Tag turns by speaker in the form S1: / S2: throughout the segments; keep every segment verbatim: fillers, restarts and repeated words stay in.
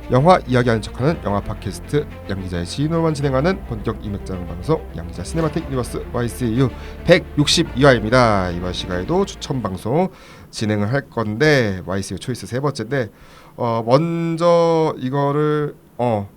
S1: 영화 이야기하는 척하는 영화 팟캐스트 양기자의 지인으로만 진행하는 본격 이맥장 방송 양기자 시네마틱 유니버스 와이씨유 백육십이 화입니다. 이번 시간에도 추천 방송 진행을 할 건데 와이씨유 초이스 세 번째인데 어 먼저 이거를 어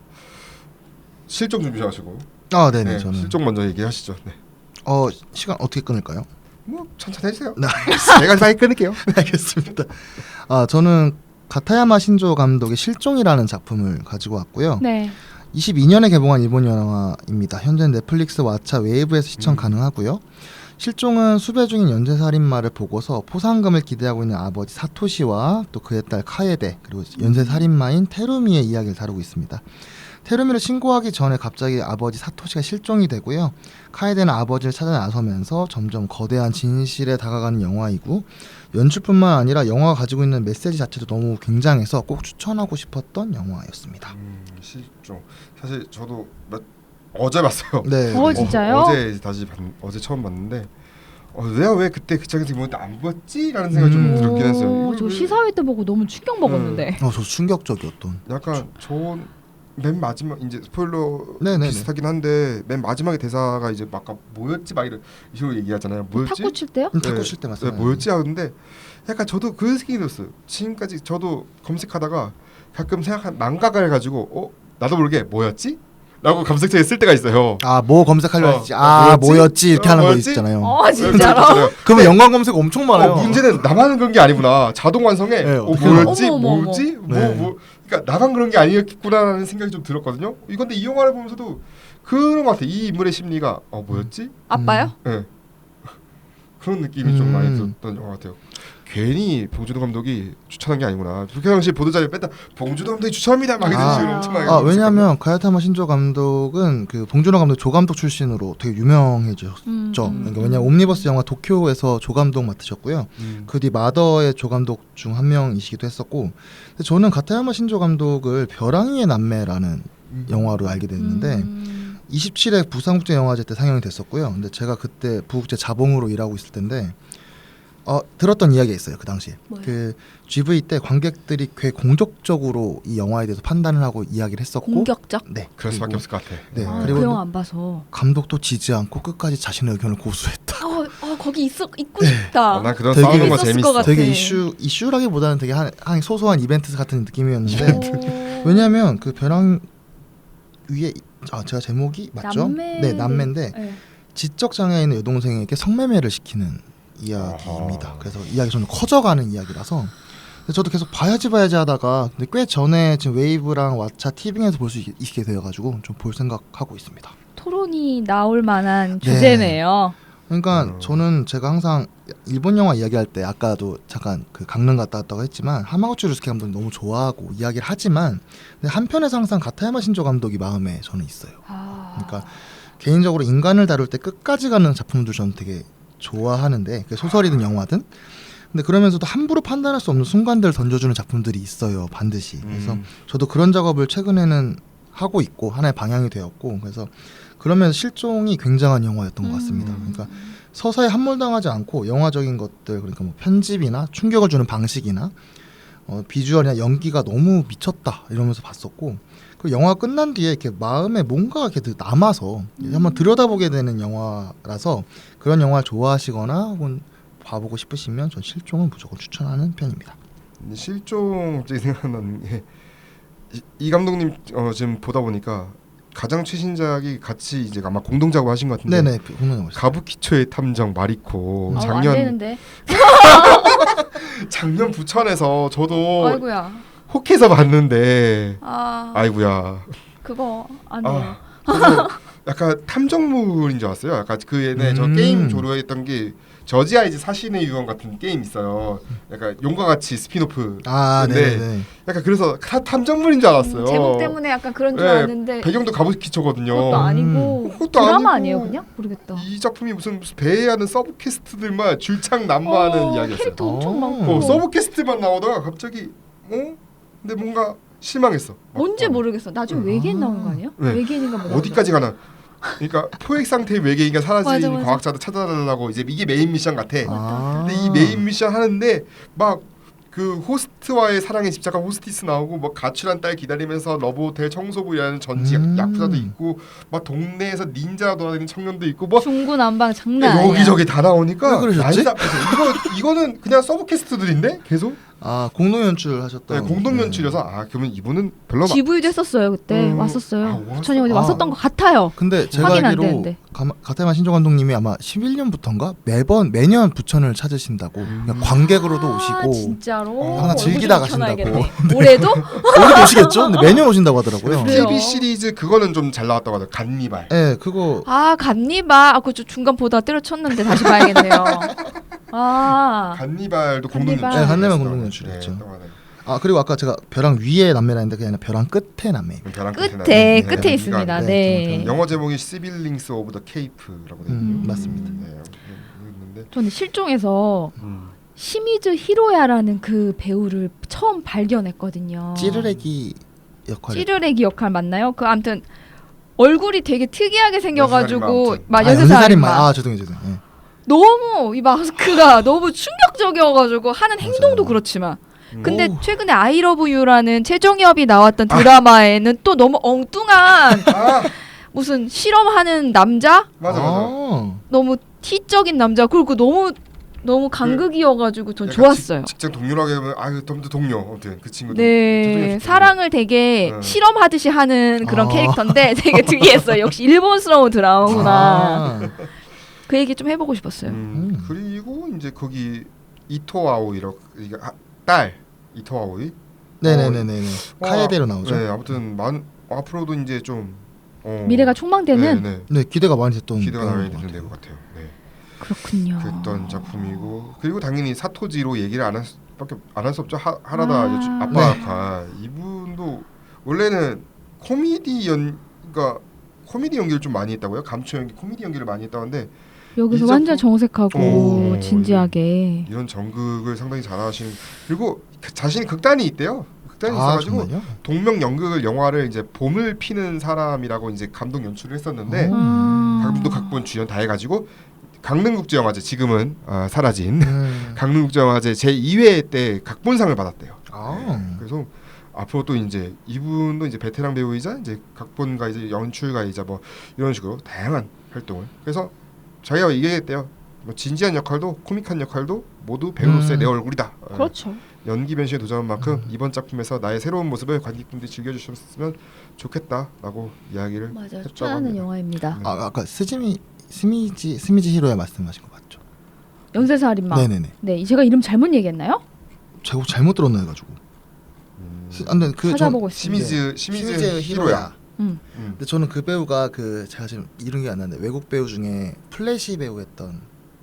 S1: 실종 준비하시고
S2: 아 네네.
S1: 네,
S2: 저는
S1: 실종 먼저 얘기하시죠. 네.
S2: 어 시간 어떻게 끊을까요?
S1: 뭐 천천히 해주세요.
S2: 네.
S1: 제가 빨리 끊을게요.
S2: 알겠습니다. 아 저는 가타야마 신조 감독의 실종이라는 작품을 가지고 왔고요.
S3: 네.
S2: 이십이 년에 개봉한 일본 영화입니다. 현재 넷플릭스 왓챠 웨이브에서 시청
S1: 음.
S2: 가능하고요. 실종은 수배 중인 연쇄살인마를 보고서 포상금을 기대하고 있는 아버지 사토시와 또 그의 딸 카에데 그리고 연쇄살인마인 테루미의 이야기를 다루고 있습니다. 테루미를 신고하기 전에 갑자기 아버지 사토시가 실종이 되고요. 카에데는 아버지를 찾아 나서면서 점점 거대한 진실에 다가가는 영화이고 연출뿐만 아니라 영화가 가지고 있는 메시지 자체도 너무 굉장해서 꼭 추천하고 싶었던 영화였습니다.
S1: 음, 실종. 사실 저도 몇, 어제 봤어요.
S2: 네.
S3: 어, 진짜요?
S1: 어, 어제 다시 봤, 어제 처음 봤는데 어, 내가 왜 그때 그 장에서 보는데 안 봤지? 라는 생각이 좀
S2: 음.
S1: 들긴 했어요.
S3: 오,
S1: 이걸
S3: 저
S1: 왜-
S3: 시사회 때 보고 너무 충격 먹었는데.
S2: 어, 저 충격적이었던.
S1: 약간 좋은 맨 마지막 이제 스포일러
S2: 네네네.
S1: 비슷하긴 한데 맨 마지막에 대사가 이제 막 아까 뭐였지 막 이런 식으로 얘기하잖아요. 뭐였지?
S3: 탁구 칠 때요?
S2: 음, 탁구
S1: 네.
S2: 칠 때
S1: 네,
S2: 맞습니다.
S1: 뭐였지 하는데 약간 저도 그 생각이 들었어요. 지금까지 저도 검색하다가 가끔 생각한 망각을 해가지고 어 나도 모르게 뭐였지? 라고 검색창에 쓸 때가 있어요.
S2: 아, 뭐 검색하려
S1: 어,
S2: 했지. 아,
S1: 뭐였지?
S2: 뭐였지? 이렇게
S1: 어,
S2: 하는 거
S1: 뭐였지?
S2: 있잖아요.
S3: 어, 진짜로?
S1: 그렇잖아요.
S2: 그러면 연관 검색 엄청 많아요.
S1: 어, 문제는 나만 그런 게 아니구나. 자동 완성에
S2: 네,
S1: 어,
S2: 어떻게
S1: 뭐였지?
S3: 어머, 어머,
S1: 뭐지? 뭐,
S2: 네.
S1: 뭐 그러니까 나만 그런 게 아니었구나라는 생각이 좀 들었거든요. 이건데 이 영화를 보면서도 그런 것 같아. 이 인물의 심리가 어 뭐였지?
S3: 아빠요?
S1: 네. 그런 느낌이 좀 많이
S2: 음.
S1: 들었던 영화 같아요. 괜히 봉준호 감독이 추천한 게 아니구나. 그렇게 당시 보도자료 뺐다. 봉준호 감독이 추천합니다. 막 이런
S2: 아.
S1: 식으로 엄청 많이
S2: 아,
S1: 했었거든요.
S2: 왜냐하면 가야타마 신조 감독은 그 봉준호 감독 조감독 출신으로 되게 유명해졌죠.
S3: 음, 음,
S2: 그러니까 왜냐 옴니버스 영화 도쿄에서 조감독 맡으셨고요.
S1: 음.
S2: 그 뒤 마더의 조감독 중 한 명이시기도 했었고, 근데 저는 가타야마 신조 감독을 벼랑이의 남매라는
S1: 음.
S2: 영화로 알게 됐는데
S3: 음.
S2: 이십칠 회 부산국제영화제 때 상영이 됐었고요. 근데 제가 그때 부국제 자봉으로 일하고 있을 텐데 어, 들었던 이야기가 있어요. 그 당시에
S3: 뭐요?
S2: 그 지브이 때 관객들이 꽤 공격적으로 이 영화에 대해서 판단을 하고 이야기를 했었고,
S3: 공격적?
S2: 네,
S1: 그럴 수밖에
S2: 그리고-
S1: 없을 것 같아.
S2: 네,
S3: 아,
S2: 그리고
S3: 그 영화 안 봐서.
S2: 감독도 지지 않고 끝까지 자신의 의견을 고수했다.
S3: 어, 어 거기 있어 있고 싶다.
S1: 아, 난 그런
S2: 되게
S1: 싸우는 거
S3: 있었을
S1: 재밌어.
S3: 것 같아.
S2: 되게 이슈 이슈라기보다는 되게 한, 한 소소한 이벤트 같은 느낌이었는데
S3: 오.
S2: 왜냐하면 그 벼랑 위에 아 제가 제목이 맞죠?
S3: 남매.
S2: 네, 남매인데
S3: 네.
S2: 지적 장애 있는 여동생에게 성매매를 시키는 이야기입니다.
S1: 아하.
S2: 그래서 이야기 좀 커져가는 이야기라서 근데 저도 계속 봐야지 봐야지 하다가 근데 꽤 전에 지금 웨이브랑 왓챠 티빙에서 볼 수 있게 되어가지고 좀 볼 생각하고 있습니다.
S3: 토론이 나올 만한
S2: 네.
S3: 주제네요.
S2: 그러니까
S1: 음.
S2: 저는 제가 항상 일본 영화 이야기할 때 아까도 잠깐 그 강릉 갔다 왔다고 했지만 하마구치 루스케 감독이 너무 좋아하고 이야기를 하지만 근데 한편에서 항상 가타야마 신조 감독이 마음에 저는 있어요.
S3: 아.
S2: 그러니까 개인적으로 인간을 다룰 때 끝까지 가는 작품들 저는 되게 좋아하는데 그게 소설이든 영화든 근데 그러면서도 함부로 판단할 수 없는 순간들을 던져주는 작품들이 있어요. 반드시. 그래서
S1: 음.
S2: 저도 그런 작업을 최근에는 하고 있고 하나의 방향이 되었고 그래서 그러면서 실종이 굉장한 영화였던 것 같습니다.
S3: 음.
S2: 그러니까 서사에 함몰당하지 않고 영화적인 것들 그러니까 뭐 편집이나 충격을 주는 방식이나 어, 비주얼이나 연기가 너무 미쳤다 이러면서 봤었고 그 영화 끝난 뒤에 이렇게 마음에 뭔가 이렇게 남아서
S3: 음.
S2: 한번 들여다보게 되는 영화라서 그런 영화 좋아하시거나 혹은 봐보고 싶으시면 전 실종은 무조건 추천하는 편입니다.
S1: 근데 실종 갑자기 생각나는 게 이, 이 감독님 어, 지금 보다 보니까 가장 최신작이 같이 이제 아마 공동 작업하신 것 같은데
S2: 네네 공룡 영화
S1: 가부키초의 탐정 마리코
S3: 어, 안
S1: 작년
S3: 되는데.
S1: 작년 부천에서 저도
S3: 아이고야.
S1: 혹해서 봤는데
S3: 아.
S1: 아이고야
S3: 그거 안 돼요.
S1: 아, 그래서 약간 탐정물인 줄 알았어요. 약간 그 예전에 저
S2: 음.
S1: 게임 조류했던 게 저지 아이즈 사신의 유언 같은 게임 있어요. 약간 용과 같이 스피노프.
S2: 아
S1: 근데
S2: 네네
S1: 약간 그래서 타, 탐정물인 줄 알았어요.
S3: 음, 제목 때문에 약간 그런 줄
S1: 네,
S3: 알았는데
S1: 배경도 가부키초거든요.
S3: 그것도 아니고
S1: 그것도
S3: 드라마
S1: 아니고.
S3: 아니에요 그냥? 모르겠다.
S1: 이 작품이 무슨, 무슨 배회하는 서브캐스트들만 줄창난무하는
S3: 어,
S1: 이야기였어요.
S3: 캐릭터 엄청
S2: 어.
S3: 많고.
S1: 어, 서브캐스트만 나오다가 갑자기 어? 근데 뭔가 실망했어.
S3: 뭔지
S1: 어.
S3: 모르겠어. 나중에
S2: 아.
S3: 외계인 나오는 거 아니에요?
S1: 네.
S3: 외계인인가 뭐
S1: 어디까지 가나? 그러니까 포획 상태의 외계인과 사라진
S3: 맞아, 맞아.
S1: 과학자들 찾아달라고 이제 이게 메인 미션 같아.
S2: 아.
S1: 근데 이 메인 미션 하는데 막 그 호스트와의 사랑에 집착한 호스티스 나오고 뭐 가출한 딸 기다리면서 러브호텔 청소부 일하는 전직
S2: 음.
S1: 야쿠자도 있고 막 동네에서 닌자 돌아다니는 청년도 있고 뭐
S3: 중구난방 장난 아니야.
S1: 여기저기 다 나오니까
S2: 왜 그러셨지?
S1: 난리 났어요. 이거 이거는 그냥 서브 캐스트들인데 계속
S2: 아 공동 연출 하셨던
S1: 네, 공동 연출이어서 아 그러면 이분은 별로 막
S3: 지브이도 했었어요 그때.
S1: 음.
S3: 왔었어요.
S1: 아, 왔어?
S3: 부천이 어디
S2: 아.
S3: 왔었던 것 같아요.
S2: 근데 제가
S3: 확인 안
S2: 알기로
S3: 되는데.
S2: 가- 가테마 신조 감독님이 아마 십일 년부터인가 매번 매년 부천을 찾으신다고
S1: 음.
S2: 그냥 관객으로도
S3: 아,
S2: 오시고
S3: 진짜로.
S1: 어,
S2: 항상
S3: 얼굴
S2: 즐기다
S3: 좀 켜놔야겠네.
S2: 가신다고.
S3: 올해도?
S2: 올해도 오시겠죠? 근데 매년 오신다고 하더라고요.
S3: 그래요?
S1: 티비 시리즈 그거는 좀 잘 나왔다고 하더라고요. 간니발.
S2: 네, 그거
S3: 아 간니바. 아, 그저 중간 보다 때려쳤는데 다시 봐야겠네요. 아.
S1: 간니발도 공동
S3: 간니발.
S1: 연출.
S2: 네, 간니발 공동 연출이었죠. 아 그리고 아까 제가 벼랑 위에 남매라 했는데 그게 아니라 벼랑 끝에 남매.
S1: 벼랑
S3: 끝에
S1: 나는,
S3: 끝에
S1: 네,
S3: 있습니다.
S2: 네,
S3: 네.
S1: 영어 제목이 시빌링스 오브 더 케이프라고 되어
S2: 음,
S1: 있는데
S2: 맞습니다.
S1: 네, 있는데
S3: 저는 실종에서
S1: 음.
S3: 시미즈 히로야라는 그 배우를 처음 발견했거든요.
S2: 찌르레기 역할.
S3: 찌르레기 역할 맞나요? 그 아무튼 얼굴이 되게 특이하게 생겨가지고
S1: 연쇄살인마
S3: 막
S2: 아,
S3: 연쇄살인마.
S2: 연쇄살인마. 아 죄송해요, 죄송해요. 네.
S3: 너무 이 마스크가 너무 충격적이어가지고 하는 행동도 그렇지만 근데
S2: 오.
S3: 최근에 I Love You라는 최종엽이 나왔던 드라마에는 또 너무 엉뚱한
S1: 아
S3: 무슨 실험하는 남자?
S1: 맞아 맞아.
S2: 아.
S3: 너무 T적인 남자 그리고 너무 너무 간극이어가지고 전
S1: 약간
S3: 좋았어요.
S1: 직, 직장 동료라고 하면 아유 덤도 동료 아무튼 그 친구도
S3: 네, 사랑을 되게
S1: 네.
S3: 실험하듯이 하는 그런
S2: 아.
S3: 캐릭터인데 되게 특이했어요. 역시 일본스러운 드라마구나.
S2: 아.
S3: 그 얘기 좀 해보고 싶었어요.
S1: 음,
S2: 음.
S1: 그리고 이제 거기 이토 아오이라고 이게 아, 딸 이토 아오이
S2: 네네네네.
S1: 어,
S2: 카에데로 나오죠.
S1: 네 아무튼 많 앞으로도 이제 좀 어,
S3: 미래가 촉망되는
S1: 네, 네.
S2: 네 기대가 많이 됐던
S1: 기대가
S2: 배우인
S1: 많이
S2: 것
S1: 되는
S2: 같아요.
S1: 것 같아요. 네.
S3: 그렇군요.
S1: 그랬던 작품이고 그리고 당연히 사토지로 얘기를 안 할 수밖에 안 할 수 없죠. 하, 하라다
S3: 아.
S1: 이제 아빠
S2: 네.
S1: 역할 이분도 원래는 코미디 연 그러니까 코미디 연기를 좀 많이 했다고요. 감초 연기 코미디 연기를 많이 했다는데
S3: 여기서
S1: 이
S3: 완전
S1: 작품-
S3: 정색하고
S1: 오.
S3: 진지하게.
S1: 이런 전극을 상당히 잘하시는 그리고 그 자신이 극단이 있대요. 극단이
S2: 아
S1: 있어가지고
S2: 정말요?
S1: 동명 연극을 영화를 이제 봄을 피는 사람이라고 이제 감독 연출을 했었는데
S2: 오.
S3: 아.
S1: 감독 각본 주연 다 해가지고 강릉국제영화제 지금은 아, 사라진
S2: 음.
S1: 강릉국제영화제 제이 회 때 각본상을 받았대요.
S2: 아.
S1: 그래서 앞으로 또 이제 이분도 이제 베테랑 배우이자 이제 각본가 이제 연출가이자 뭐 이런 식으로 다양한 활동을 그래서 자기가 얘기했대요. 뭐 진지한 역할도 코믹한 역할도 모두 배우로서의
S2: 음.
S1: 내 얼굴이다. 어,
S3: 그렇죠.
S1: 연기 변신에 도전한 만큼
S2: 음.
S1: 이번 작품에서 나의 새로운 모습을 관객분들이 즐겨주셨으면 좋겠다라고 이야기를
S3: 맞아요.
S1: 했다고
S3: 추천하는
S1: 합니다.
S3: 영화입니다.
S1: 네.
S2: 아 아까 스즈미 스미지 스미지 히로야 말씀하신 거 맞죠?
S3: 연쇄살인마.
S2: 네네네.
S3: 네, 제가 이름 잘못 얘기했나요?
S2: 제가 잘못 들었나 해가지고.
S1: 음,
S2: 스- 안 돼, 그
S3: 찾아보고 있습니다.
S1: 시미즈 시미즈 히로야.
S3: 음.
S1: 음.
S2: 근데 저는 그 배우가 그 제가 지금 이름이 안 나는데 외국 배우 중에 플래시 배우 했던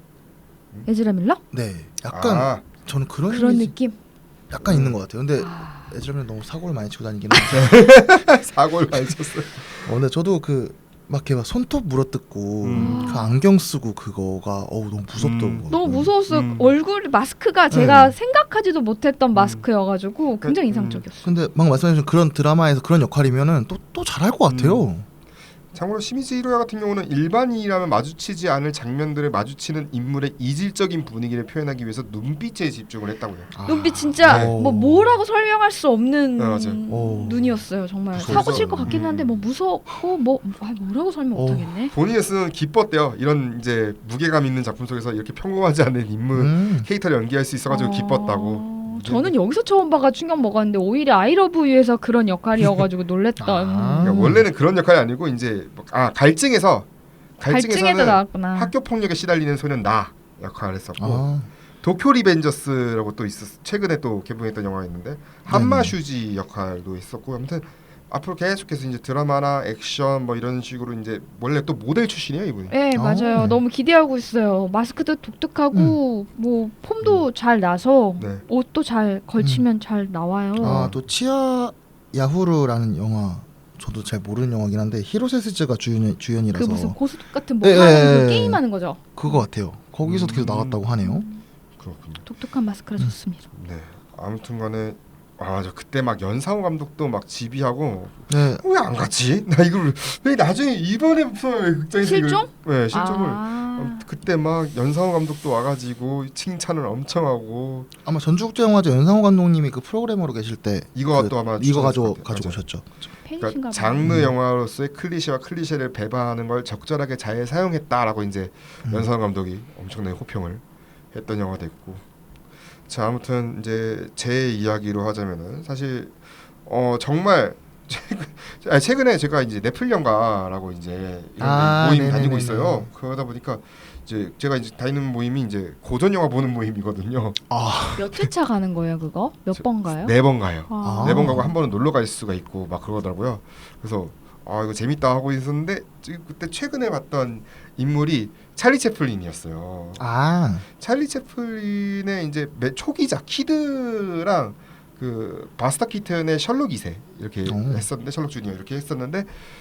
S3: 에즈라 밀러?
S2: 네 약간
S1: 아,
S2: 저는 그런
S3: 그런
S2: 이미지
S3: 느낌.
S2: 약간 있는 것 같아요. 근데
S3: 아,
S2: 에즈라면 너무 사고를 많이 치고 다니긴 한데
S1: 사고를 많이 쳤어요.
S2: 어, 근데 저도 그 막 걔가 손톱 물어뜯고
S1: 음.
S2: 그 안경 쓰고 그거가 어우 너무 무섭더라고요.
S1: 음.
S3: 너무 무서웠어요.
S1: 음.
S3: 얼굴 마스크가 제가
S2: 네.
S3: 생각하지도 못했던
S1: 음.
S3: 마스크여가지고 굉장히
S1: 음.
S3: 인상적이었어요.
S2: 근데 막 말씀해주신 그런 드라마에서 그런 역할이면은 또 또 잘할 것 같아요.
S1: 참고로 시미즈 히로야 같은 경우는 일반인이라면 마주치지 않을 장면들을 마주치는 인물의 이질적인 분위기를 표현하기 위해서 눈빛에 집중을 했다고요.
S2: 아.
S3: 눈빛 진짜
S2: 네.
S3: 뭐 뭐라고 설명할 수 없는
S1: 네, 맞아요.
S2: 오.
S3: 눈이었어요. 정말
S1: 무서워서.
S3: 사고 칠 것 같긴 한데 뭐 무섭고 뭐 아, 뭐라고 설명
S2: 오.
S3: 못하겠네.
S1: 본인의 쓰는 기뻤대요. 이런 이제 무게감 있는 작품 속에서 이렇게 평범하지 않은 인물
S2: 음.
S1: 캐릭터를 연기할 수 있어가지고
S3: 어,
S1: 기뻤다고.
S3: 저는 여기서 처음 봐가 충격 먹었는데 오히려 아이러브 유에서 그런 역할이어가지고 놀랬던.
S2: 아.
S1: 그러니까 원래는 그런 역할이 아니고 이제 아 갈증에서
S3: 갈증에도
S1: 갈증에서는
S3: 나왔구나.
S1: 학교 폭력에 시달리는 소년 나 역할을 했었고
S2: 아.
S1: 도쿄 리벤저스라고 또 있었 최근에 또 개봉했던 영화가 있는데 한마 슈지 역할도 있었고 아무튼 앞으로 계속해서 이제 드라마나 액션 뭐 이런 식으로 이제 원래 또 모델 출신이에요 이분이.
S3: 네 맞아요.
S2: 아.
S3: 너무 기대하고 있어요. 마스크도 독특하고 뭐 폼도 잘 나서
S1: 네.
S3: 옷도 잘 걸치면 잘 나와요.
S2: 아또 치아 야후르라는 영화 저도 잘 모르는 영화긴 한데 히로세ス즈가 주연 주연이라서
S3: 그 무슨 고수 같은 뭐
S2: 예,
S3: 하는
S2: 예,
S3: 그
S2: 예.
S3: 게임하는 거죠.
S2: 그거 같아요. 거기서도 계속
S1: 음.
S2: 나왔다고 하네요.
S1: 그렇군요.
S3: 독특한 마스크라 좋습니다.
S1: 네. 아무튼간에 아 저 그때 막 연상호 감독도 막 지비하고
S2: 네.
S1: 왜 안 갔지? 나 이걸 왜 나중에 이번에 무슨 왜 극장에서
S3: 실종?
S1: 이걸, 네 실종을
S3: 아. 아,
S1: 그때 막 연상호 감독도 와가지고 칭찬을 엄청 하고
S2: 아마 전주국제영화제 연상호 감독님이 그 프로그래머로 계실 때
S1: 이거
S2: 그,
S1: 또 아마
S2: 이거 가져
S1: 추천했을 것 같아요.
S2: 가지고
S1: 맞아요.
S2: 오셨죠.
S3: 팬이신가
S1: 그러니까
S3: 봐요.
S1: 장르
S2: 음.
S1: 영화로서의 클리셰와 클리셰를 배반하는 걸 적절하게 잘 사용했다라고 이제
S2: 음.
S1: 연상호 감독이 엄청나게 호평을 했던 영화도 있고. 자, 아무튼 이제 제 이야기로 하자면은 사실 어 정말 최근, 아니, 최근에 제가 이제 넷플 영화라고 이제 이런
S2: 아,
S1: 모임
S2: 네네네네.
S1: 다니고 있어요. 그러다 보니까 이제 제가 이제 다니는 모임이 이제 고전 영화 보는 모임이거든요.
S2: 아,
S3: 몇 회차 가는 거예요, 그거? 몇
S1: 저-
S3: 번 가요?
S1: 네 번 가요.
S3: 아.
S1: 네 번 가고 한 번은 놀러 갈 수가 있고 막 그러더라고요. 그래서 아 이거 재밌다 하고 있었는데 지금 그때 최근에 봤던 인물이 찰리 채플린이었어요.
S2: 아,
S1: 찰리 채플린의 이제 매- 초기작 키드랑 그 바스타 키튼의 셜록 이 세 이렇게
S2: 오.
S1: 했었는데 셜록 주니어 이렇게 했었는데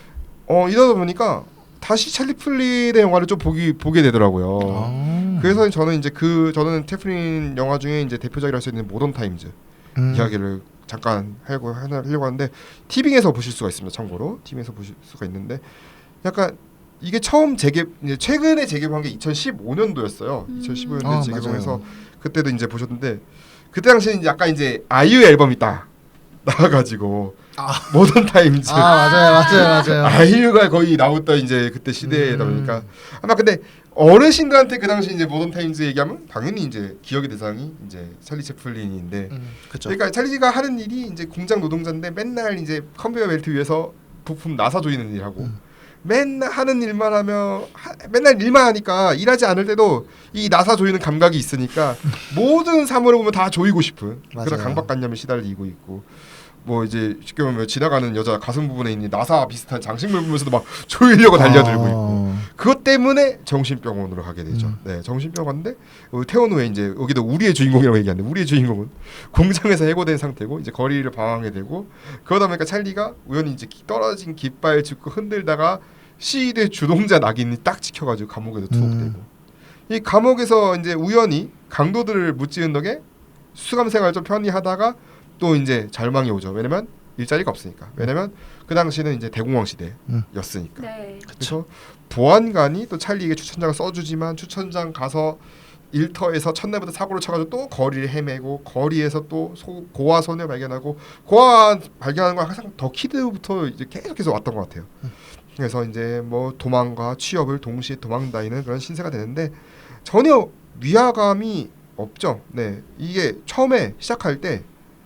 S1: 어 이러다 보니까 다시 찰리 채플린의 영화를 좀 보기 보게 되더라고요.
S2: 아.
S1: 그래서 저는 이제 그 저는 채플린 영화 중에 이제 대표작이라 할 수 있는 모던 타임즈
S2: 음.
S1: 이야기를 잠깐 하려고 하려고 하는데 티빙에서 보실 수가 있습니다. 참고로 티빙에서 보실 수가 있는데 약간 이게 처음 재개 이제 최근에 재개봉한 게 이천십오 년도였어요.
S3: 음.
S1: 이천십오 년도에
S2: 아,
S1: 재개봉해서
S2: 맞아요.
S1: 그때도 이제 보셨는데 그때 당시에는 약간 이제 아이유 앨범이 딱 나와가지고
S2: 아.
S1: 모던 타임즈
S2: 아, 맞아요, 맞아요, 맞아요.
S1: 아이유가 거의 나왔던 이제 그때 시대다
S2: 음.
S1: 보니까 아마 근데 어르신들한테 그 당시 이제 모던 타임즈 얘기하면 당연히 이제 기억의 대상이 이제 찰리 채플린인데
S2: 음, 그렇죠.
S1: 그러니까 찰리가 하는 일이 이제 공장 노동자인데 맨날 이제 컨베이어 벨트 위에서 부품 나사 조이는 일하고
S2: 음.
S1: 맨날 하는 일만 하며 하, 맨날 일만 하니까 일하지 않을 때도 이 나사 조이는 감각이 있으니까 모든 사물을 보면 다 조이고 싶은 그런
S2: 맞아요.
S1: 강박관념에 시달리고 있고 뭐 이제 쉽게 보면 지나가는 여자 가슴 부분에 있는 나사 비슷한 장식물 보면서도 막 조이려고 달려들고
S2: 아.
S1: 있고 그것 때문에 정신병원으로 가게 되죠.
S2: 음.
S1: 네, 정신병원 갔는데 어, 퇴원 후에 이제 여기도 우리의 주인공이라고 얘기하는데 우리의 주인공은 공장에서 해고된 상태고 이제 거리를 방황하게 되고 그러다 보니까 찰리가 우연히 이제 기- 떨어진 깃발 짚고 흔들다가 시위대 주동자 낙인이 딱 찍혀가지고 감옥에서 투옥되고
S2: 음.
S1: 이 감옥에서 이제 우연히 강도들을 무찌른 덕에 수감 생활 좀 편히 하다가 또 이제 절망이 오죠. 왜냐면 일자리가 없으니까. 왜냐면 그 당시는 이제 대공황 시대였으니까.
S3: 네.
S1: 그래서 보안관이 또 찰리에게 추천장을 써주지만 추천장 가서 일터에서 첫날부터 사고를 쳐가지고 또 거리를 헤매고 거리에서 또 소, 고아 소녀 발견하고 고아 발견하는 건 항상 더 키드부터 이제 계속해서 왔던 것 같아요. 그래서 이제 뭐 도망과 취업을 동시에 도망다니는 그런 신세가 되는데 전혀 위화감이 없죠. 네, 이게 처음에 시작할 때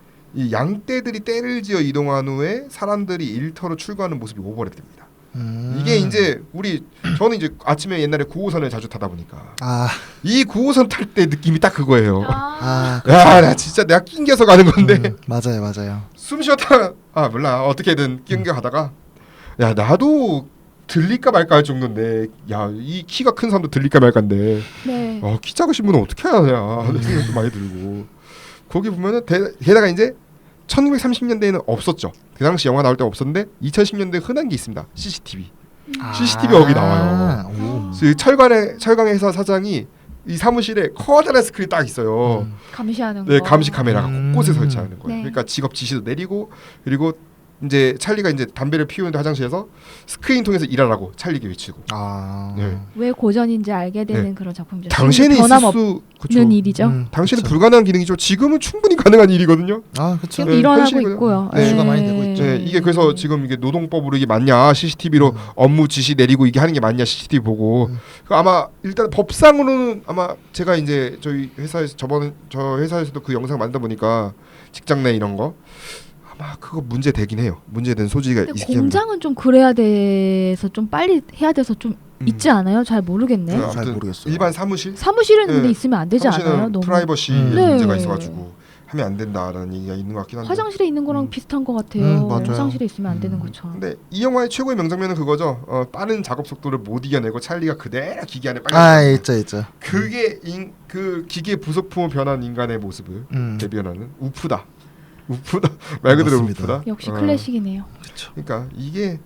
S1: 이 양떼들이 떼를 지어 이동한 후에 사람들이 일터로 출근하는 모습이 오버랩됩니다.
S2: 음.
S1: 이게 이제 우리 저는 이제 아침에 옛날에 구호선을 자주 타다 보니까
S2: 아,
S1: 이 구호선 탈 때 느낌이 딱 그거예요.
S3: 아,
S2: 아,
S1: 야, 나 진짜 내가 낑겨서 가는 건데
S2: 음, 맞아요, 맞아요.
S1: 숨 쉬었다가 아 몰라 어떻게든 낑겨 가다가 야 나도 들릴까 말까 할 정도인데 야 이 키가 큰 사람도 들릴까 말까인데
S3: 네.
S1: 어, 키 작으신 분은 어떻게 하냐 하는 생각도 많이 들고 거기 보면은 대, 게다가 이제 천구백삼십 년대에는 없었죠. 그 당시 영화 나올 때 없었는데 이천십 년대에 흔한 게 있습니다. 씨씨티비.
S2: 아.
S1: 씨씨티비가 거기 나와요.
S2: 오.
S1: 그 철관의 철강 회사 사장이 이 사무실에 커다란 스크린 딱 있어요.
S2: 음.
S3: 감시하는
S1: 네,
S3: 거.
S1: 감시 카메라가
S2: 음.
S1: 곳곳에 설치하는 거예요.
S3: 네.
S1: 그러니까 직업 지시도 내리고 그리고 이제 찰리가 이제 담배를 피우는데 화장실에서 스크린 통해서 일하라고 찰리게 외치고.
S2: 아.
S1: 네.
S3: 왜 고전인지 알게 되는
S1: 네.
S3: 그런 작품이죠.
S1: 당시에는 있을
S3: 변함없는
S1: 수 그쵸.
S3: 일이죠.
S2: 음,
S1: 당시에는
S2: 그쵸.
S1: 불가능한 기능이죠. 지금은 충분히 가능한 일이거든요.
S2: 아, 그렇죠.
S3: 지금
S1: 네,
S3: 일어나고
S1: 현실이고요.
S3: 있고요.
S1: 네.
S2: 이슈가 많이 되고 있죠.
S1: 네, 이게 그래서 지금 이게 노동법으로 이게 맞냐 씨씨티비로
S2: 음.
S1: 업무 지시 내리고 이게 하는 게 맞냐 씨씨티비 보고
S2: 음.
S1: 그 아마 일단 법상으로는 아마 제가 이제 저희 회사에서 저번 저 회사에서도 그 영상 만다 보니까 직장 내 이런 거 아마 그거 문제 되긴 해요. 문제된 소지가
S3: 근데
S1: 있긴 합니다.
S3: 공장은 좀 그래야 돼서 좀 빨리 해야 돼서 좀
S1: 음.
S3: 있지 않아요? 잘 모르겠네.
S1: 네,
S2: 잘
S1: 아무튼
S2: 모르겠어요.
S1: 일반 사무실
S3: 사무실은
S1: 네.
S3: 근데 있으면 안 되지 않아요?
S1: 사무실은
S3: 너무
S1: 프라이버시
S2: 음.
S1: 문제가
S3: 네.
S1: 있어가지고 하면 안 된다라는 얘기가 있는 것 같긴 한데.
S3: 화장실에 있는 거랑
S1: 음.
S3: 비슷한 것 같아요.
S2: 음, 맞아요.
S3: 화장실에 있으면 안 되는
S2: 음.
S3: 것처럼.
S1: 근데 이 영화의 최고의 명장면은 그거죠. 어, 빠른 작업 속도를 못 이겨내고 찰리가 그대로 기계 안에 빨려.
S2: 아, 있죠, 있죠.
S1: 그게 인, 그 기계 부속품으로 변한 인간의 모습을
S2: 음.
S1: 대변하는 우프다. 우프다. 말 그대로
S2: 맞습니다.
S1: 우프다.
S3: 역시
S1: 어,
S3: 클래식이네요.
S2: 그렇죠.
S1: 그러니까 이게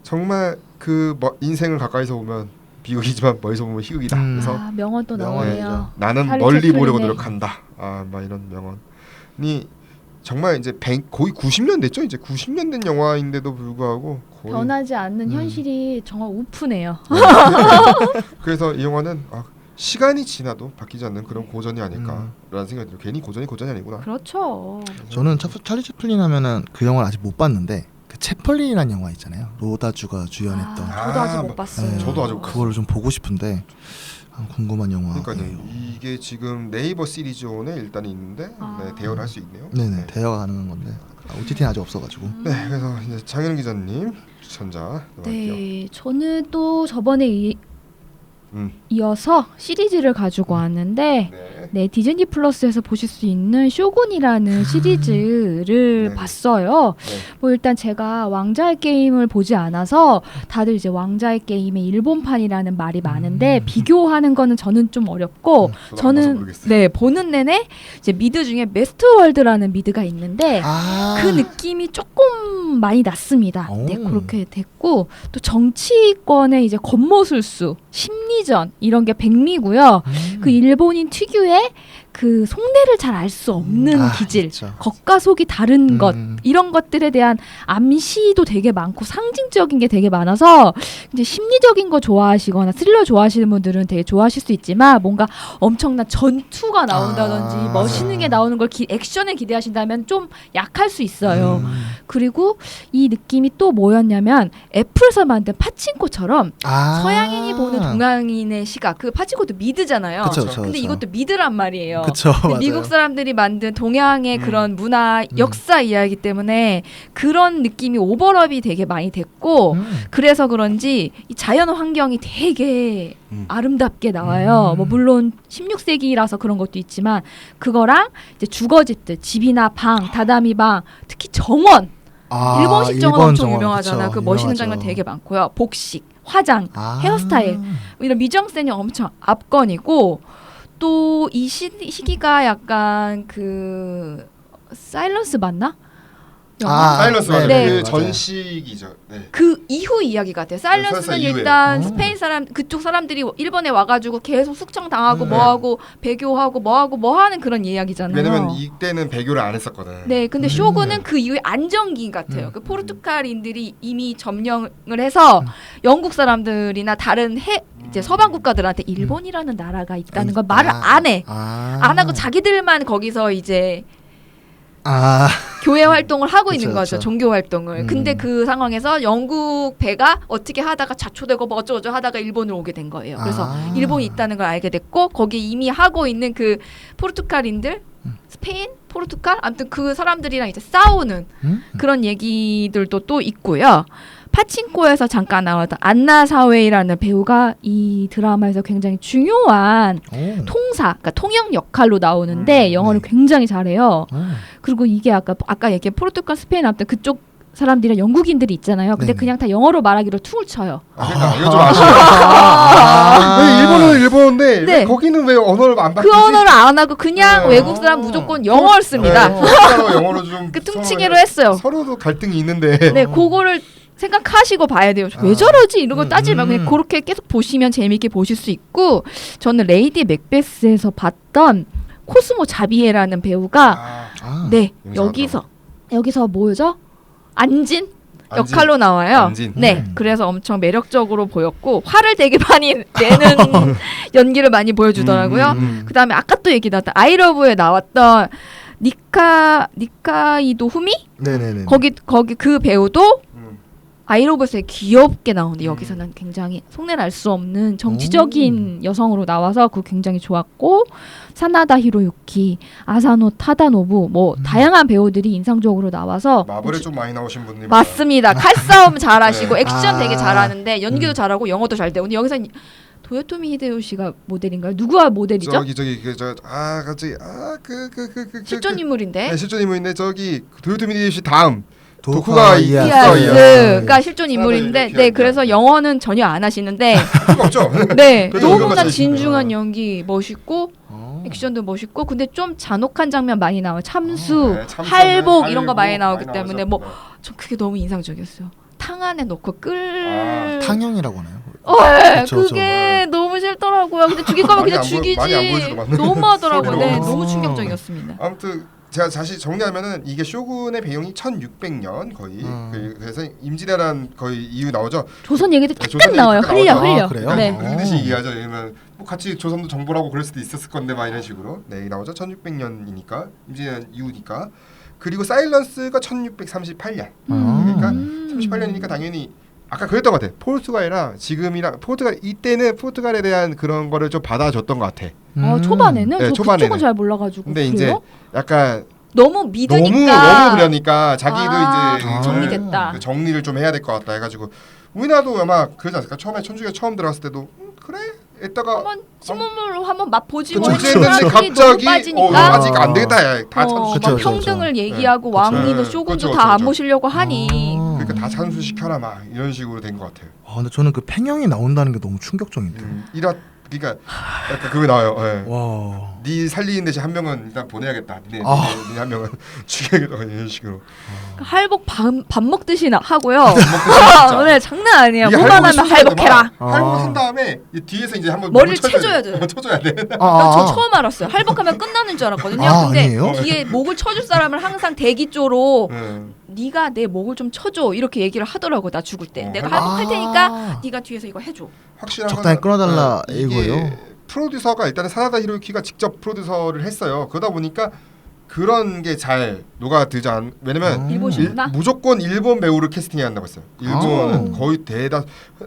S1: 정말 그 뭐, 인생을 가까이서 보면 비극이지만 멀리서 보면 희극이다.
S2: 음.
S1: 그래서
S3: 아, 명언 또
S2: 명언이죠.
S3: 나오네요.
S1: 나는
S3: 찰리
S1: 멀리
S3: 채플린의
S1: 보려고 노력한다. 아, 막 이런 명언이 정말 이제 백, 거의 구십 년 됐죠. 이제 구십 년 된 영화인데도 불구하고 거의
S3: 변하지 않는
S1: 음.
S3: 현실이 정말 우프네요.
S1: 그래서 이 영화는 아, 시간이 지나도 바뀌지 않는 그런 고전이 아닐까라는 생각이 들어요. 괜히 고전이 고전이 아니구나.
S3: 그렇죠.
S2: 저는 차, 찰리 채플린 하면은 그 영화를 아직 못 봤는데 그 채플린이라는 영화 있잖아요. 로다주가 주연했던.
S3: 아, 저도 아직
S1: 아,
S3: 못 봤어요.
S2: 네,
S1: 저도 아직 못
S2: 그거를 좀 보고 싶은데 아, 궁금한 영화.
S1: 그러니까요. 이게 지금 네이버 시리즈온에 일단 있는데
S3: 아.
S1: 네, 대여를 할 수 있네요.
S2: 네네
S1: 네.
S2: 대여가 가능한 건데 아, 오티티는 아직 없어가지고.
S3: 음.
S1: 네, 그래서 이제 장현 기자님 추천자 넘어갈게요.
S3: 네, 저는 또 저번에 이,
S1: 음.
S3: 이어서 시리즈를 가지고 왔는데
S1: 네.
S3: 네, 디즈니 플러스에서 보실 수 있는 쇼군이라는 시리즈를
S1: 네.
S3: 봤어요.
S1: 네.
S3: 뭐 일단 제가 왕자의 게임을 보지 않아서 다들 이제 왕자의 게임의 일본판이라는 말이 많은데
S2: 음.
S3: 비교하는 거는 저는 좀 어렵고
S1: 저도 안 봐서
S3: 저는
S1: 모르겠어요.
S3: 네, 보는 내내 이제 미드 중에 메스트월드라는 미드가 있는데
S2: 아.
S3: 그 느낌이 조금 많이 났습니다.
S2: 오.
S3: 네, 그렇게 됐고 또 정치권의 이제 겉모술수, 심리전 이런 게 백미고요.
S2: 음.
S3: 그 일본인 특유의 그 속내를 잘 알 수 없는
S2: 아,
S3: 기질,
S2: 그쵸.
S3: 겉과 속이 다른 것
S2: 음.
S3: 이런 것들에 대한 암시도 되게 많고 상징적인 게 되게 많아서 이제 심리적인 거 좋아하시거나 스릴러 좋아하시는 분들은 되게 좋아하실 수 있지만 뭔가 엄청난 전투가 나온다든지
S2: 아,
S3: 멋있는 게 나오는 걸 기, 액션을 기대하신다면 좀 약할 수 있어요.
S2: 음.
S3: 그리고 이 느낌이 또 뭐였냐면 애플에서 만든 파친코처럼
S2: 아.
S3: 서양인이 보는 동양인의 시각, 그 파친코도 미드잖아요.
S2: 그쵸, 그쵸,
S3: 근데
S2: 그쵸.
S3: 이것도 미드란 말이에요.
S2: 그쵸,
S3: 근데
S2: 맞아요.
S3: 미국 사람들이 만든 동양의
S1: 음.
S3: 그런 문화,
S2: 음.
S3: 역사 이야기 때문에 그런 느낌이 오버랩이 되게 많이 됐고
S2: 음.
S3: 그래서 그런지 이 자연 환경이 되게
S1: 음.
S3: 아름답게 나와요.
S2: 음.
S3: 뭐 물론 십육 세기라서 그런 것도 있지만 그거랑 이제 주거집들, 집이나 방, 다다미 방, 특히 정원,
S2: 아,
S3: 일본식 정원
S2: 일본
S3: 엄청
S2: 정원,
S3: 유명하잖아.
S2: 그쵸,
S3: 그 멋있는
S2: 유명하죠.
S3: 장면 되게 많고요. 복식, 화장,
S2: 아.
S3: 헤어스타일 이런 미정센이 엄청 압권이고 또 이 시기가 약간 그 사일런스 맞나? 영화?
S2: 아,
S1: 사일런스
S2: 네,
S1: 맞아요.
S3: 네,
S1: 그
S2: 맞아요.
S1: 전시기죠. 네.
S3: 그 이후 이야기 같아요. 사일런스는
S1: 사일런스 이후에.
S3: 일단
S2: 오.
S3: 스페인 사람 그쪽 사람들이 일본에 와가지고 계속 숙청 당하고
S2: 음.
S3: 뭐하고 배교하고 뭐하고 뭐하는 그런 이야기잖아요.
S1: 왜냐면 이때는 배교를 안 했었거든.
S3: 네, 근데
S2: 음.
S3: 쇼군은 그 이후에 안정기 같아요.
S2: 음.
S3: 그 포르투갈인들이 이미 점령을 해서
S2: 음.
S3: 영국 사람들이나 다른 해 이제 서방 국가들한테 일본이라는 나라가 있다는 걸 말을
S2: 아.
S3: 안 해.
S2: 아.
S3: 안 하고 자기들만 거기서 이제
S2: 아.
S3: 교회 활동을 하고
S2: 그쵸,
S3: 있는 거죠.
S2: 그쵸.
S3: 종교 활동을.
S2: 음.
S3: 근데 그 상황에서 영국 배가 어떻게 하다가 자초되고 뭐 어쩌고저쩌고 하다가 일본으로 오게 된 거예요. 그래서
S2: 아.
S3: 일본이 있다는 걸 알게 됐고 거기에 이미 하고 있는 그 포르투갈인들,
S2: 음.
S3: 스페인, 포르투갈 아무튼 그 사람들이랑 이제 싸우는
S2: 음?
S3: 그런 얘기들도 또 있고요. 파친코에서 잠깐 나왔던 안나 사웨이라는 배우가 이 드라마에서 굉장히 중요한
S2: 오.
S3: 통사, 그러니까 통역 역할로 나오는데
S1: 음,
S3: 영어를
S2: 네.
S3: 굉장히 잘해요.
S2: 오.
S3: 그리고 이게 아까 아까 얘기한 포르투갈, 스페인 아무튼 그쪽 사람들이랑 영국인들이 있잖아요. 근데
S2: 네네.
S3: 그냥 다 영어로 말하기로 퉁을 쳐요.
S1: 아, 그러니까 이거 좀 아쉬워.
S2: 아.
S1: 왜 일본은 일본인데
S3: 네.
S1: 왜 거기는 왜 언어를 안 바꾸지?
S3: 그 언어를 안 하고 그냥
S1: 네.
S3: 외국 사람 무조건 영어를 씁니다.
S1: 네, 포르투갈어 영어로 좀
S3: 그 퉁치기로
S1: 서로-
S3: 했어요.
S1: 서로도 갈등이 있는데.
S3: 네, 그거를 생각하시고 봐야 돼요. 왜
S1: 아.
S3: 저러지? 이런 거
S2: 음,
S3: 따지지 말고 그냥
S2: 음.
S3: 그렇게 계속 보시면 재미있게 보실 수 있고 저는 레이디 맥베스에서 봤던 코스모 자비에라는 배우가
S1: 아,
S2: 아.
S3: 네,
S1: 용서하더라고.
S3: 여기서 여기서 뭐죠? 안진?
S1: 안진.
S3: 역할로 나와요.
S1: 안진.
S3: 네,
S2: 음.
S3: 그래서 엄청 매력적으로 보였고 화를 되게 많이 내는 연기를 많이 보여주더라고요.
S1: 음, 음.
S3: 그다음에 아까 또 얘기 나왔던 아이러브에 나왔던 니카 니카이도 후미
S2: 네네네.
S3: 거기 거기 그 배우도
S1: 음.
S3: 아이러브에서 귀엽게 나오는데
S1: 음.
S3: 여기서는 굉장히 속내를 알 수 없는 정치적인 여성으로 나와서 그 굉장히 좋았고 사나다 히로유키, 아사노 타다노부 뭐
S2: 음.
S3: 다양한 배우들이 인상적으로 나와서
S1: 마블에 좀 많이 나오신 분들.
S3: 맞습니다. 칼싸움 잘하시고
S1: 네.
S3: 액션
S2: 아.
S3: 되게 잘하는데 연기도
S2: 음.
S3: 잘하고 영어도 잘 되고 근데 여기서 도요토미 히데요시가 모델인가요? 누구와 모델이죠?
S1: 저기 저기 그저아 갑자기 아그 그 그 그
S3: 실존 인물인데
S1: 네, 실존 인물인데 저기 도요토미 히데요시 다음
S2: 도쿠가
S1: 도쿠가
S2: 이에야스.
S1: 이에야스.
S3: 이아스
S1: 네.
S3: 그러니까 실존 인물인데
S1: 이렇게
S3: 네
S1: 하니까.
S3: 그래서 영어는 전혀 안 하시는데
S1: 필요가 없죠.
S3: 네
S1: 그래도
S3: 너무나
S1: 연기가
S3: 진중한
S1: 잘하시니까.
S3: 연기 멋있고
S2: 어.
S3: 액션도 멋있고 근데 좀 잔혹한 장면 많이 나와요 참수
S1: 네, 참수,
S3: 할복
S1: 네,
S3: 이런 거
S1: 할복
S3: 많이 나오기
S1: 많이
S3: 때문에
S1: 나오죠.
S3: 뭐 전 그게 너무 인상적이었어요 탕 안에 넣고 끌
S1: 아,
S2: 탕형이라고 하나요?
S3: 어, 예,
S2: 그쵸,
S3: 그게 너무 싫더라고요 근데 죽일 거면
S1: 많이
S3: 그냥
S1: 안 보여-
S3: 죽이지
S1: 많이 안 보여주더만.
S3: 너무 하더라고요 네
S1: 소리로.
S3: 너무 충격적이었습니다
S1: 아무튼 제가 다시 정리하면은 이게 쇼군의 배경이 천육백 년 거의
S2: 음.
S1: 그- 그래서 임진왜란 거의 이후 나오죠.
S3: 조선 얘기도
S1: 네,
S3: 잠깐
S1: 조선
S3: 나와요.
S1: 얘기 잠깐
S3: 흘려
S1: 나오죠.
S3: 흘려.
S2: 아, 그래요?
S3: 네.
S2: 어.
S1: 흘리듯이 얘기하죠. 왜냐면 뭐 같이 조선도 정보라고 그럴 수도 있었을 건데 막 이런 식으로 네 나오죠. 천육백 년이니까 임진왜란 이후니까. 그리고 사일런스가 천육백삼십팔 년.
S2: 음.
S1: 그러니까
S3: 음.
S1: 삼십팔 년이니까 당연히 아까 그랬던 것 같아. 포르투갈이랑 지금이랑 포르투갈 이때는 포르투갈에 대한 그런 거를 좀 받아줬던 것 같아.
S3: 어,
S2: 음.
S3: 초반에는
S1: 네,
S3: 저
S1: 초반에는.
S3: 그쪽은 잘 몰라가지고.
S1: 근데
S3: 그래요?
S1: 이제 약간
S3: 너무 믿으니까
S1: 너무 너무 그러니까 자기도
S3: 아,
S1: 이제
S2: 아.
S3: 정리됐다.
S1: 그 정리를 좀 해야 될 것 같다 해가지고 우리나라도 아마 그러지 않을까? 처음에 천주교가 처음 들어갔을 때도 음, 그래? 이따가
S3: 한번 신문으로 한번 맛보지 뭐
S1: 그쵸,
S3: 했는데
S1: 그쵸.
S3: 사람들이
S1: 갑자기
S3: 너무
S1: 어,
S3: 빠지니까
S1: 아직 안 되겠다. 야, 다
S3: 어,
S1: 찬수
S3: 막
S2: 그쵸, 그쵸,
S3: 평등을
S2: 그쵸.
S3: 얘기하고
S1: 네,
S3: 왕위도
S1: 그쵸.
S3: 쇼군도
S1: 그쵸,
S3: 다 안
S1: 그쵸.
S3: 모시려고 하니
S2: 아.
S1: 그러니까 다 찬수시켜라 막 이런 식으로 된 것 같아요.
S2: 아, 근데 저는 그 팽형이 나온다는 게 너무 충격적인데.
S1: 음, 이라 그러니까 약간 그거 나와요. 예.
S2: 와.
S1: 네 살리는 대신 한 명은 일단 보내야겠다. 네,
S2: 아.
S1: 네, 네, 한 명은 죽여야겠다 이런 식으로.
S3: 그러니까 할복 밥, 밥 먹듯이 나, 하고요.
S1: 먹고 진짜.
S3: 오늘 장난 아니에요.
S1: 이게
S3: 뭐만
S1: 할복이
S3: 하면
S1: 순서가
S3: 할복해라.
S1: 막 할복
S2: 아.
S1: 한 다음에 이 뒤에서 이제 한번
S3: 머리를
S1: 목을 쳐줘야
S3: 쳐줘야
S1: 돼.
S3: 돼.
S1: 쳐줘야 돼.
S2: 아,
S3: 나 저
S2: 아.
S3: 처음 알았어요. 할복하면 끝나는 줄 알았거든요.
S2: 아,
S3: 근데
S2: 아니에요?
S3: 뒤에 목을 쳐줄 사람을 항상 대기 쪽으로
S1: 응.
S3: 네가 내 목을 좀 쳐줘 이렇게 얘기를 하더라고. 나 죽을 때
S1: 어,
S3: 내가
S1: 할복.
S3: 할복할 테니까 네가 뒤에서 이거 해줘.
S1: 확실한
S2: 적당히
S1: 거는,
S2: 끊어달라
S1: 어, 이게
S2: 이거예요?
S1: 프로듀서가 일단은 사나다 히로유키가 직접 프로듀서를 했어요. 그러다 보니까 그런 게 잘 녹아들지 않. 왜냐면
S2: 음.
S3: 일본이구나.
S1: 무조건 일본 배우를 캐스팅해야 한다고 했어요. 일본은
S2: 아.
S1: 거의 대다.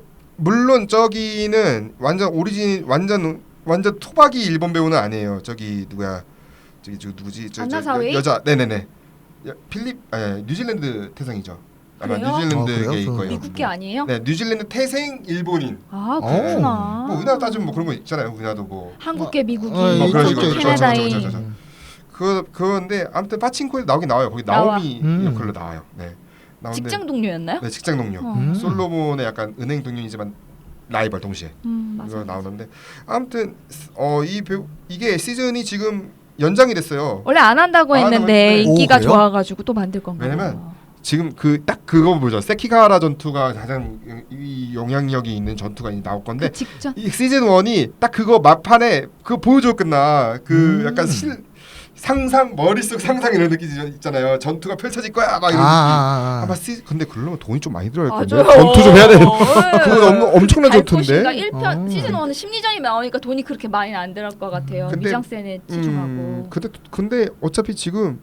S1: 물론 저기는 완전 오리진 완전 완전 토박이 일본 배우는 아니에요. 저기 누구야? 저기 저 누구지? 저, 저,
S3: 안나사웨이?
S1: 여, 여자. 네네네. 여- 필립 아니 뉴질랜드 태생이죠. 아마
S3: 그래요?
S1: 뉴질랜드계일
S2: 아, 그래요?
S1: 거예요.
S3: 미국 게 아니에요?
S1: 네, 뉴질랜드 태생 일본인.
S3: 아
S2: 어.
S3: 그렇구나.
S1: 뭐 우리나라 따지면 뭐 그런 거 있잖아요. 우리나라도 뭐
S3: 한국계 미국인,
S2: 어,
S1: 뭐 그런
S2: 있죠,
S1: 식으로
S2: 있죠,
S1: 그렇죠,
S2: 있죠.
S3: 캐나다인.
S1: 그렇죠, 그렇죠, 그렇죠. 그 그건데 아무튼 파친코에 나오긴 나와요. 거기
S3: 나와.
S1: 나오미
S2: 음.
S1: 역할로 나와요. 네. 나오는데
S3: 직장 동료였나요?
S1: 네, 직장 동료.
S3: 어.
S2: 음.
S1: 솔로몬의 약간 은행 동료이지만 라이벌 동시에
S3: 음, 맞아.
S1: 이거 나오는데 아무튼 어 이 배우 이게 시즌이 지금 연장이 됐어요.
S3: 원래 안 한다고
S1: 안
S3: 했는데
S1: 한다고
S3: 인기가
S2: 오, 그래요?
S3: 좋아가지고 또 만들 건가
S1: 왜냐면
S3: 봐요.
S1: 지금 그 딱 그거 보죠. 세키가하라 전투가 가장 이 영향력이 있는 전투가 이제 나올 건데
S3: 그 직전
S1: 이 시즌 일이 딱 그거 막판에 그거 보여주고 끝나. 그
S2: 음.
S1: 약간 실 상상 머릿속 상상 이런 느낌 있잖아요. 전투가 펼쳐질 거야 막 이런
S2: 아,
S1: 느낌.
S2: 아, 아.
S1: 아마 시 근데 그러면 돈이 좀 많이 들어갈 건데
S3: 맞아요.
S1: 전투 좀 해야 돼.
S3: 네.
S1: 그건 엄, 엄청난 전투인데.
S3: 그러니까 일 편
S2: 어.
S3: 시즌 일은 심리전이 나오니까 돈이 그렇게 많이 안 들어갈 것 같아요.
S1: 근데-
S3: 미장센에 집중하고
S1: 음, 근데 근데 어차피 지금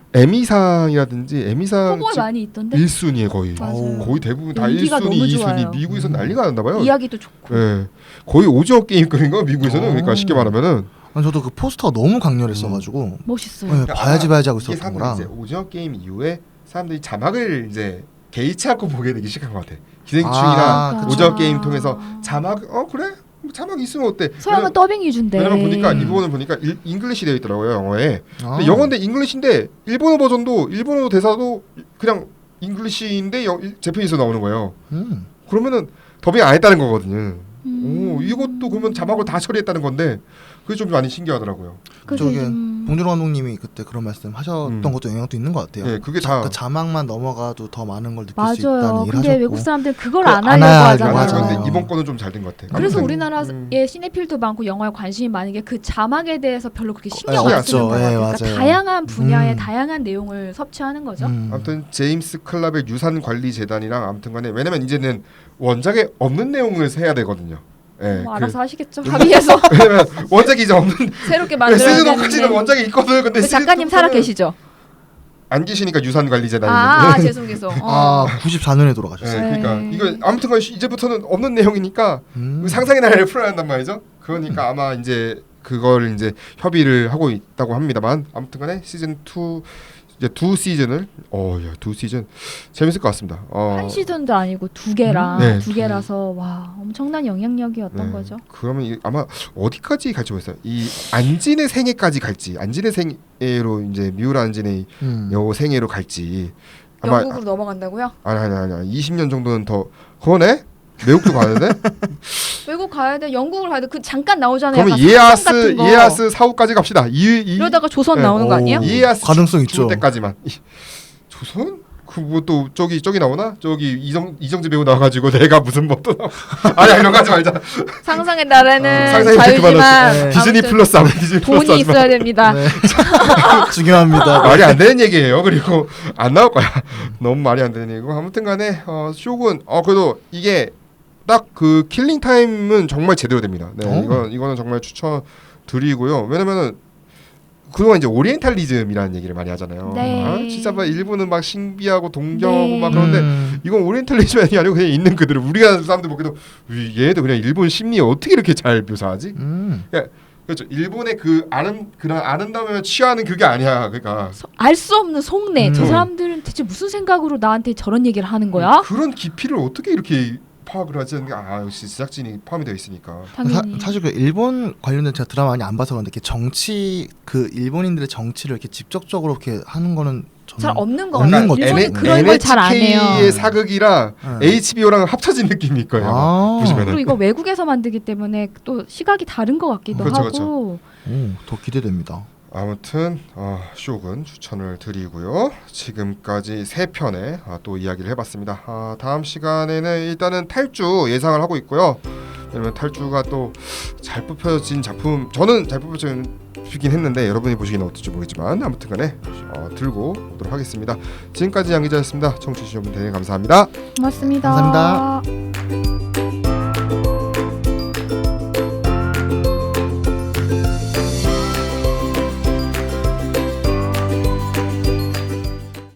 S1: 에미상이라든지 에미상
S3: 후보에 많이 있던데
S1: 일 순위에 거의
S3: 맞아요.
S1: 거의 대부분 다
S3: 연기가
S1: 일 순위,
S3: 너무
S1: 이 순위
S3: 좋아요.
S1: 미국에서
S2: 음.
S1: 난리가 났나 봐요.
S3: 이야기도 좋고
S1: 예. 거의 오징어 게임급인 거 미국에서는.
S2: 어.
S1: 그러니까 쉽게 말하면은
S2: 아니, 저도 그 포스터가 너무 강렬했어가지고
S3: 멋있어요.
S2: 네, 봐야지 봐야지 하고
S1: 이게
S2: 있었던
S1: 사람들이
S2: 거라.
S1: 이제 오징어 게임 이후에 사람들이 자막을 이제 개의치 않고 보게 되기 시작한 것 같아. 기생충이랑
S2: 아, 그쵸.
S1: 오징어 게임 통해서 자막 어 그래 뭐 자막 있으면 어때?
S3: 서양은 더빙 위주인데
S1: 왜냐면 보니까 이 부분을 보니까 일, 잉글리시 되어 있더라고요 영어에.
S2: 아.
S1: 근데 영어인데 잉글리시인데 일본어 버전도 일본어 대사도 그냥 잉글리시인데 영, 재팬에서 나오는 거예요.
S2: 음.
S1: 그러면은 더빙 안 했다는 거거든요.
S3: 음.
S1: 오 이것도 그러면 자막을 다 처리했다는 건데 그게 좀 많이 신기하더라고요.
S3: 그래서
S2: 저게
S3: 좀
S2: 봉준호 감독님이 그때 그런 말씀 하셨던
S1: 음.
S2: 것도 영향도 있는 것 같아요.
S1: 네, 그게
S2: 자,
S1: 다
S2: 그 자막만 넘어가도 더 많은 걸 느낄 수 있다는
S3: 맞아요.
S2: 얘기를
S3: 근데
S2: 하셨고.
S3: 외국 사람들 그걸
S2: 그거
S3: 안
S2: 안
S3: 하려고
S2: 하려고
S3: 하잖아요.
S1: 맞아.
S2: 맞아요.
S1: 근데 이번 거는 좀 잘 된 것 같아.
S3: 그래서
S1: 아무튼,
S3: 우리나라의
S1: 음.
S3: 시네필도 많고 영화에 관심이 많은 게 그 자막에 대해서 별로 그렇게 신경
S2: 네,
S3: 안
S1: 없죠.
S3: 쓰는 거예요.
S2: 예,
S3: 그러니까
S2: 맞아요.
S3: 다양한 분야의
S2: 음.
S3: 다양한 내용을 섭취하는 거죠.
S2: 음.
S1: 아무튼 제임스 클럽의 유산 관리 재단이랑 아무튼간에 왜냐면 이제는 원작에 없는 내용을 해야 되거든요. 예.
S3: 뭐
S1: 그-
S3: 알아서 하시겠죠. 합의해서
S1: 왜냐면 원작이 이제 없는
S3: 새롭게 만들어야
S1: 시즌 오까지는
S3: 되는데.
S1: 원작이 있거든. 근데
S3: 그 작가님
S1: 시즌
S3: 살아
S1: 이부터는
S3: 계시죠?
S1: 안 계시니까 유산 관리 재단이.
S3: 아, 아 죄송 죄송. 어.
S2: 아, 구십사 년에
S1: 네,
S2: 돌아가셨어요.
S1: 그러니까
S3: 네.
S1: 이거 아무튼간 이제부터는 없는 내용이니까
S2: 음.
S1: 상상의 나래를 풀어야 한단 말이죠. 그러니까 아마 이제 그걸 이제 협의를 하고 있다고 합니다만 아무튼간에 시즌 이 이제 두 시즌을 어야 두 시즌 재밌을 것 같습니다. 어,
S3: 한 시즌도 아니고 두 개라
S1: 음, 네,
S3: 두 개라서 와 엄청난 영향력이었던
S1: 네.
S3: 거죠.
S1: 그러면 이, 아마 어디까지 갈지 모르겠어요. 이 안진의 생애까지 갈지 안진의 생애로 이제 미우라 안진의
S2: 음.
S1: 여 생애로 갈지 아마
S3: 영국으로 넘어간다고요?
S1: 아니 아니 아니 아니 이십 년 정도는 더 그거네. 외국도 가야 돼?
S3: 외국 가야 돼. 영국을 가야 돼. 그 잠깐 나오잖아요.
S1: 그러면
S3: 약간
S1: 이에야스
S3: 사성 같은 거.
S1: 이에야스 사후까지 갑시다. 이, 이
S3: 이러다가 조선
S1: 네.
S3: 나오는 거
S2: 오.
S3: 아니에요?
S1: 이에야스
S2: 가능성
S1: 죽-
S2: 있죠.
S1: 죽을 때까지만. 이- 조선? 그 뭐 또 저기 저기 나오나? 저기 이정 이정재 배우 나와가지고 내가 무슨 뭐또 나와. 아니 이런 거 하지 말자.
S3: 상상의 나라는
S1: 상상의
S3: 자유지만
S2: 네.
S1: 디즈니
S3: 아무튼
S1: 플러스 아무 디즈니 플러스
S3: 돈이
S1: 하지 마.
S3: 있어야 됩니다.
S2: 네. 중요합니다.
S1: 말이 안 되는 얘기예요. 그리고 안 나올 거야. 너무 말이 안 되는 얘기고 아무튼간에 어, 쇼군 어 그래도 이게 딱 그 킬링 타임은 정말 제대로 됩니다. 네,
S2: 오.
S1: 이건 이거는 정말 추천 드리고요. 왜냐면은 그동안 이제 오리엔탈리즘이라는 얘기를 많이 하잖아요.
S3: 네.
S1: 아, 진짜 막 일본은 막 신비하고 동경하고
S3: 네.
S1: 막 그런데
S2: 음.
S1: 이건 오리엔탈리즘이 아니고 그냥 있는 그대로 우리가 사람들 보기도 이- 얘도 그냥 일본 심리 어떻게 이렇게 잘 묘사하지?
S2: 음.
S1: 그렇죠. 일본의 그 아름 그런 아름다움에 취하는 그게 아니야. 그러니까
S3: 알 수 없는 속내.
S2: 음.
S3: 저 사람들은 대체 무슨 생각으로 나한테 저런 얘기를 하는 거야?
S1: 그런 깊이를 어떻게 이렇게 파악을 하지? 아 역시 제작진이 포함이 되어 있으니까.
S3: 당연히.
S2: 사, 사실 그 일본 관련된 제가 드라마 많이 안 봐서 그런데 이렇게 정치 그 일본인들의 정치를 이렇게 직접적으로 이렇게 하는 거는 저는
S3: 잘 없는 거
S2: 없는
S3: 같아요.
S2: 거죠.
S3: 일본은
S2: N-
S3: 그런 걸 잘 안 해요.
S1: 엔에이치케이의 사극이랑
S2: 네.
S1: 에이치비오랑 합쳐진 느낌일 거예요. 아마
S2: 아.
S1: 보시면은.
S3: 그리고 이거 외국에서 만들기 때문에 또 시각이 다른 것 같기도
S1: 그렇죠,
S3: 하고.
S2: 오, 더 기대됩니다.
S1: 아무튼 어, 쇼군 추천을 드리고요. 지금까지 세 편의 아, 또 이야기를 해봤습니다. 아, 다음 시간에는 일단은 탈주 예상을 하고 있고요. 왜냐면 탈주가 또 잘 뽑혀진 작품, 저는 잘 뽑혀진 긴 했는데 여러분이 보시기는 어떨지 모르겠지만 아무튼간에 어, 들고 오도록 하겠습니다. 지금까지 양 기자였습니다. 청취해 주신 여러분 대단히 감사합니다.
S3: 고맙습니다.
S2: 감사합니다.